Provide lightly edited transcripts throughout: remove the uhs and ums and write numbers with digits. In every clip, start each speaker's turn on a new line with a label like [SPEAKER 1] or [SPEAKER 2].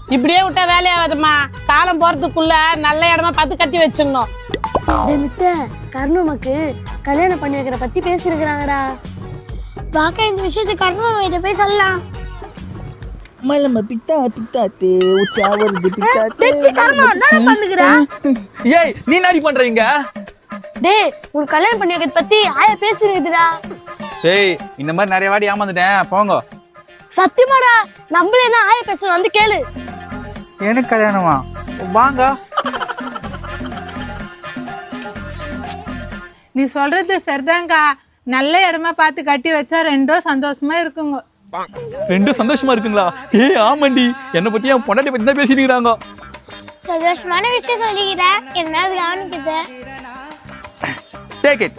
[SPEAKER 1] இப்படியே விட்டா வேலையாகாதும்மா. காலம் போறதுக்குள்ள நல்ல இடமா பார்த்து கட்டி வச்சிடணும்.
[SPEAKER 2] கர்ணமாக்கு கல்யாணம் பண்ணி வைக்கிற பத்தி பேசிருக்கிறாங்கடா. வாக்கா இந்த விஷயத்தை கர்ணமாக்கிட்ட போய் சொல்லலாம்.
[SPEAKER 3] மலம பித்தா பித்தாத்தே உச்சா வருது பித்தாத்தே.
[SPEAKER 4] ஏய் நீ நாடி பண்றீங்க?
[SPEAKER 2] டேய் உன் கல்யாணம் பண்ணி வைக்கிறத பத்தி ஆயா பேசிருக்குதுடா.
[SPEAKER 4] ஏய் இந்த மாதிரி நிறைய வாடி ஏமாந்துட்டேன் போங்க.
[SPEAKER 2] சத்தியமாடா நம்மளே என்ன ஆயா பேச வந்து கேளு.
[SPEAKER 4] எனக்கு கல்யாணமா? வாங்க.
[SPEAKER 5] நீ சொல்றது சரிதான்க்கா. நல்ல இடமா பார்த்து கட்டி வச்சா ரெண்டும் சந்தோஷமா இருக்குங்க.
[SPEAKER 4] ரெண்டும் சந்தோஷமா இருக்குங்களா? ஏய் ஆமாண்டி, என்னை பத்தி என் பொண்டாட்டி பத்தி தான் பேசிருக்கிறாங்க.
[SPEAKER 2] சந்தோஷமான விஷயம் சொல்லிக்கிறேன், என்ன கவனிக்குது.
[SPEAKER 4] Take it.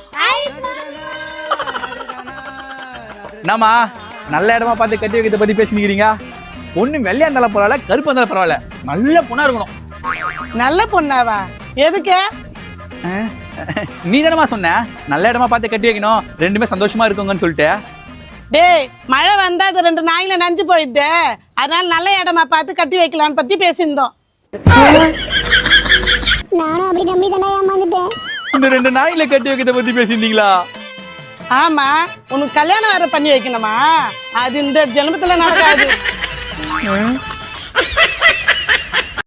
[SPEAKER 4] என்னம்மா நல்ல இடமா பார்த்து கட்டி வைக்கிறத பத்தி பேசிக்கிறீங்க? ஒண்ணு வெள்ளையா இருந்தாலும் பரவாயில்ல, கருப்பா இருந்தாலும் பரவாயில்ல, நல்ல பொண்ணா இருக்கணும்.
[SPEAKER 1] நல்ல பொண்ணாவா? எதுக்கு?
[SPEAKER 4] நீ தானமா சொன்ன நல்ல இடமா பார்த்து கட்டி வைக்கணும், ரெண்டுமே சந்தோஷமா இருக்குங்கன்னு சொல்லிட்டு.
[SPEAKER 1] டேய் மழை வந்தா அது 2 நாயில நஞ்சு போயிடுது, அதனால நல்ல இடமா பார்த்து கட்டி வைக்கலான்னு பத்தி பேசியிருந்தோம்.
[SPEAKER 2] நானும் அப்படி நம்பி தானே ஏமாந்துட்டேன்.
[SPEAKER 4] இந்த 2 நாயில கட்டி வைக்கிறத பத்தி பேசியிருந்தீங்களா?
[SPEAKER 1] ஆமா, உனக்கு கல்யாணம் வேற பண்ணி வைக்கணுமா? அது இந்த ஜென்மத்துல நடக்காது.